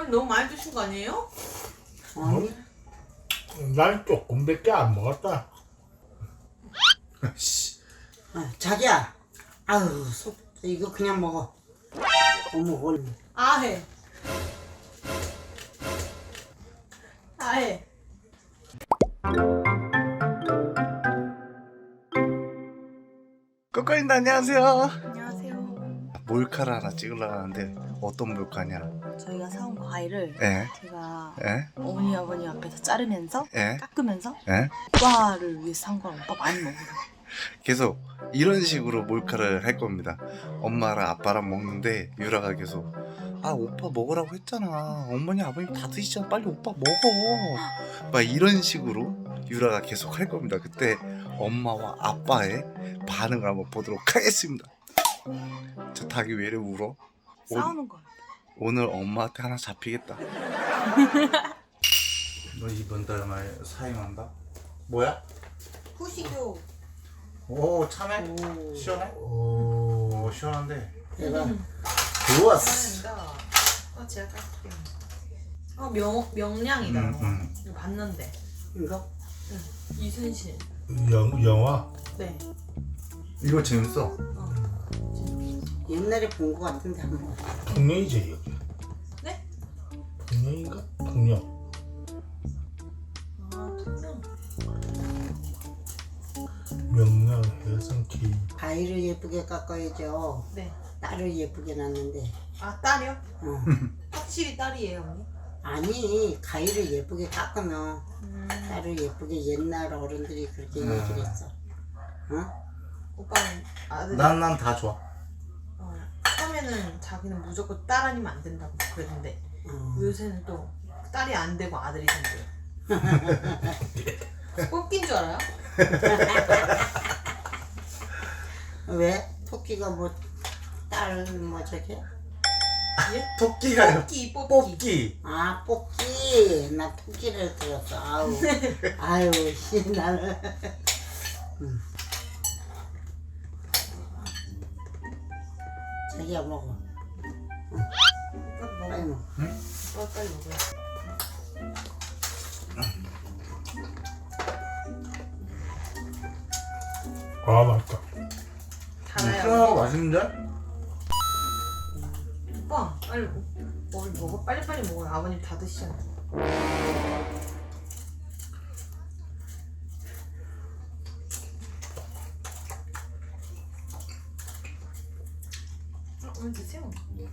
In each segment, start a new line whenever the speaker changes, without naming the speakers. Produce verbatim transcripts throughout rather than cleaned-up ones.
아버님 너무 많이 드신 거 아니에요?
아니, 난 조금밖에 안 먹었다. 씨.
아, 자기야. 아유, 속 이거 그냥 먹어. 어머, 뭘.
아해. 아해.
꼬꼬님 안녕하세요.
안녕하세요.
몰카를 하나 찍으려고 하는데 어떤 몰카냐?
저희가 사온 과일을
예?
제가
예?
어머니 아버님 앞에서 자르면서
예?
깎으면서
예?
오빠를 위해서 산 거라 오빠 많이 먹으래.
계속 이런 식으로 몰카를 할 겁니다. 엄마랑 아빠랑 먹는데 유라가 계속 아 오빠 먹으라고 했잖아. 어머니 아버님 다 드시잖아. 빨리 오빠 먹어. 막 이런 식으로 유라가 계속 할 겁니다. 그때 엄마와 아빠의 반응을 한번 보도록 하겠습니다. 저 닭이 왜 이래 울어?
싸우는 거야.
오늘 엄마한테 하나 잡히겠다. 너 이번 달 말 사임한다? 뭐야?
후식요.
오 참해?
오.
시원해?
오,
오 시원한데
내가
좋았어.
어, 제가 깎을게요. 어, 명, 명량이다.
음, 음.
이거 봤는데.
이거
이순신.
영, 영화?
네.
이거 재밌어.
옛날에 본 거 같은데 한 번.
풍년이지 여기.
네?
풍년인가? 풍년.
아, 통영.
명량 해성 케이.
과일을 예쁘게 깎아야죠.
네.
딸을 예쁘게 낳는데.
아, 딸이요?
어.
확실히 딸이에요, 언니?
아니, 과일을 예쁘게 깎으면
음.
딸을 예쁘게 옛날 어른들이 그렇게 얘기를 했어. 어?
오빠는 아들.
난 난 다 좋아.
어, 처음에는 자기는 무조건 딸 아니면 안 된다고 그랬는데
어.
요새는 또 딸이 안 되고 아들이 된대요. 뽑긴 줄 알아요?
왜? 토끼가 뭐, 딸, 뭐, 저게?
예?
토끼가요.
뽑기, 뽑기.
뽑기.
아, 뽑기. 나 토끼를 들었어. 아우. 아유, 씨, 나는. 음. 자기야, 먹어.
오빠
빨리
먹어.
먹어.
오빠 빨리 먹어요.
아, 맛있다.
달아요.
맛있는데?
오빠 빨리 먹어. 먹어. 빨리 빨리 먹어요. 아버님 다 드시잖아. 어, 오늘 드세요.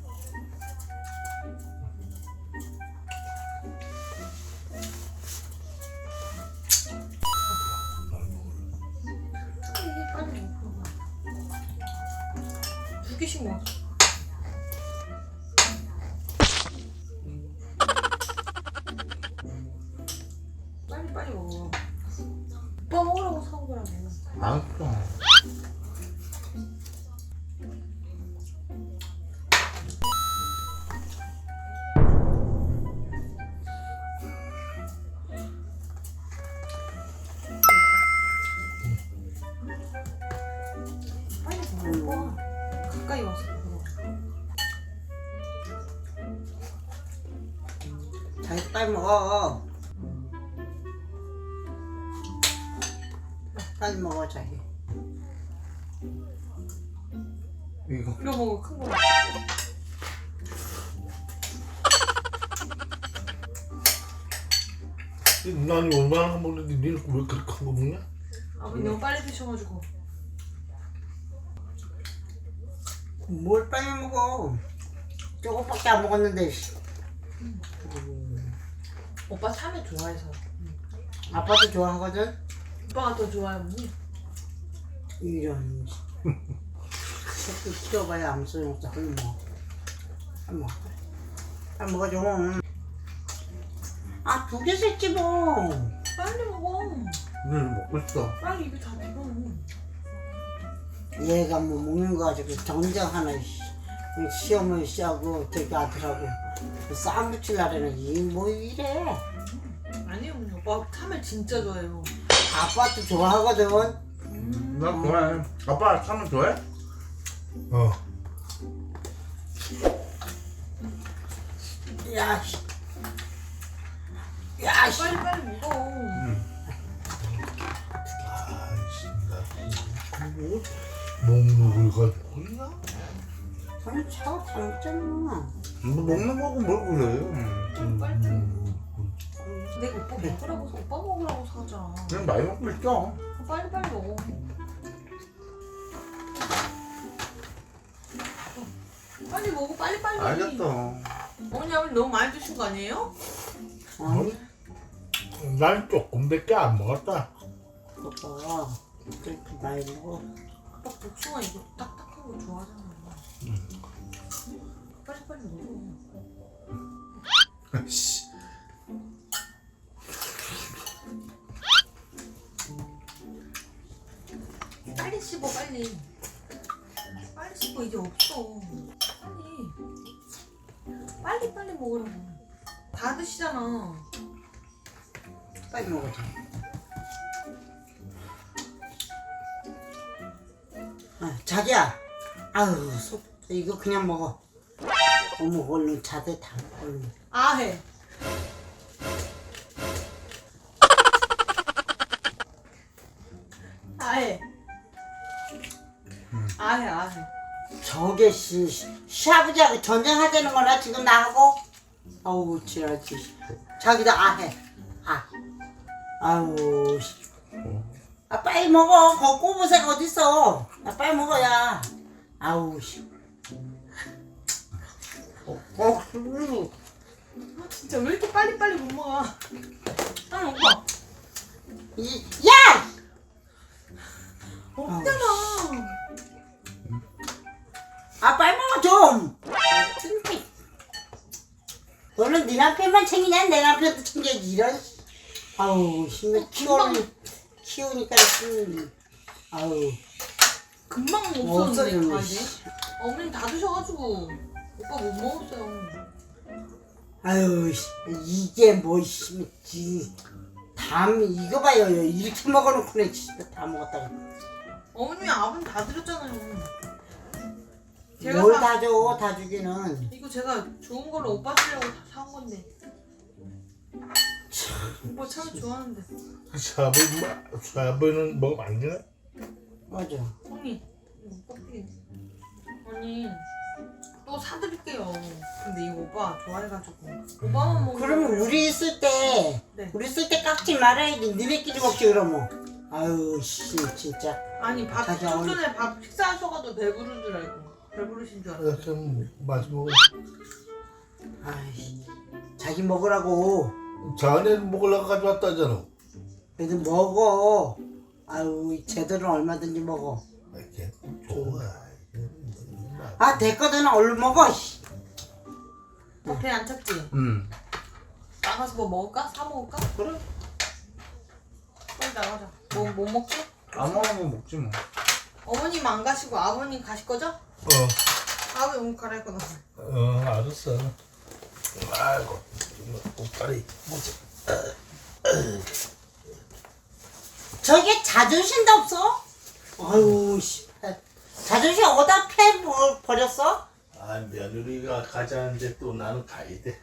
빨리 먹어. 두 개씩 먹어. 빨리 빨리 먹어. 오빠 먹으라고 사온 거라고.
맛있어.
빨리 먹어. 가까이 와서 먹어.
자기 빨리 먹어. 빨리 먹어, 자기.
이거
이거 먹어. 큰 거.
난 얼마나 먹는데 니는 왜 그렇게 큰 거 먹냐?
아버님 너무 빨리 드셔가지고.
뭘 빨리 먹어. 조금밖에 안 먹었는데. 씨.
오빠 참외 좋아해서.
아빠도 좋아하거든?
오빠가 더 좋아해, 언니.
이런. 새끼 키워봐야 아무 소용없어. 빨리 먹어. 빨리 먹어. 빨리 먹어, 좀. 아, 두 개 샀지 뭐.
빨리 먹어.
오늘 먹고 있어.
빨리 입에 다 비워.
얘가 뭐 먹는 거 가지고 정장 하나, 씨. 시험을 시하고 저기 아들하고 쌈 붙이려면 이뭐 이래.
아니요, 언니. 오빠 참외 진짜 좋아해요.
아빠도 좋아하거든.
나 좋아해. 아빠 참을 좋아해?
어.
야, 씨. 야, 씨.
빨리 빨리 먹어.
아이씨, 나 뭐, 먹는 걸 가지고 있나?
아니, 차가 다 먹잖아.
뭐 먹는 거고 뭘 그래.
음,
빨리.
음,
내가 오빠 먹으라고 사, 오빠 먹으라고 사자.
그냥 많이 먹고 있죠.
빨리 빨리 먹어. 빨리 먹어 빨리 빨리.
알겠다.
어머니 아버님 너무 많이 드신 거 아니에요?
아니,
음. 난 조금밖에 안 먹었다.
오빠 그렇게 많이 먹어.
오빠 복숭아 이거 딱딱한 거 좋아하잖아. 빨리 빨리 먹어.
씨.
빨리 씹어 빨리. 빨리 씹어 이제 없어. 빨리. 빨리 빨리 먹으라고. 다 드시잖아.
빨리 먹어줘. 아, 자기야. 아유, 속 이거 그냥 먹어. 어머, 얼른 자대 다 얼른.
아 해. 아해. 아해 아해.
저게 씨, 시아버지하고 전쟁하자는 거나 지금 나하고? 아우 지랄지. 자기도 아해. 아. 아우 씨. 아 빨리 먹어. 거 꼬부색 어딨어? 아 빨리 먹어야. 아우 씨. 어, 어, 음.
아, 진짜 왜 이렇게 빨리 빨리 못 먹어? 빨리 오빠.
이, 야!
없잖아.
아 빨리 먹어 좀. 너는 네 남편만 챙기냐? 내 남편도 챙겨야지 이런. 아우 힘을 키우니 키우니까 좀. 아우
금방
없어지는
없어졌는데
거,
다 이제. 어머님 다 드셔가지고 오빠 못 먹었어요.
아유 씨, 이게 뭐 씨, 담 이거 봐요 이렇게 먹어놓고는 진짜 다 먹었다가
어머님이 아버님 다 드렸잖아요. 제가
뭘
사-
다 줘 다 주기는.
이거 제가 좋은 걸로 오빠 쓰려고 다 사온 건데. 오빠 참 좋아하는데.
샤브, 샤브는 먹으면 안 되나?
맞아.
언니 이거 꺾이. 언니 또 사드릴게요. 근데 이거 오빠 좋아해가지고 오빠만 먹는
그러면
거예요.
우리 있을 때
네.
우리 있을 때 깎지 말아야지. 니네끼리 먹지 그러면. 아유 씨 진짜.
아니 밥
자기
좀
어머니-
전에 밥 식사하셔가지고 배부른 줄 알고 배부르신 줄 알고.
이렇게 마시고.
아이 자기 먹으라고.
자네 먹으려고 가져왔다잖아.
그래도 먹어. 아유 제대로 얼마든지 먹어.
이렇게 좋아.
아 됐거든 얼른 먹어. 씨.
배 안 찼지?
음.
나가서 뭐 먹을까? 사 먹을까?
그래.
빨리 나가자. 뭐, 뭐 먹지?
아무거나 먹지 뭐.
어머님 안 가시고 아버님 가실 거죠?
어,
아버님 옷 갈아입고 나가.
어, 알았어. 아이고, 옷다리 뭐지?
저게 자존심도 없어? 아유 씨. 자존심 어디다 패 버- 버렸어?
아, 며느리가 가자는데 또 나는 가야 돼.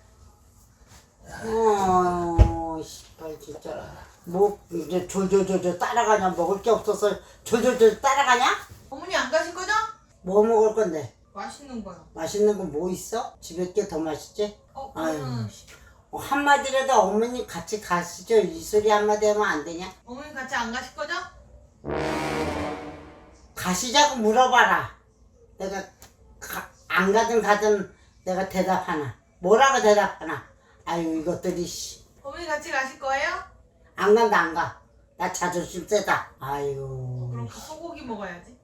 어, 씨발 진짜. 뭐 이제 졸졸졸졸 따라가냐? 먹을 게 없어서 졸졸졸 따라가냐?
어머니 안 가실 거죠?
뭐 먹을 건데?
맛있는 거요.
맛있는 거 뭐 있어? 집에 게 더 맛있지?
어,
아유.
그러면
어, 한마디라도 어머니 같이 가시죠. 이 소리 한마디 하면 안 되냐?
어머니 같이 안 가실 거죠?
가시자고 물어봐라. 내가 가, 안 가든 가든 내가 대답하나. 뭐라고 대답하나. 아유 이것들이 씨.
어머니 같이 가실 거예요?
안 간다 안 가. 나 자존심 세다. 아유.
그럼 소고기 먹어야지.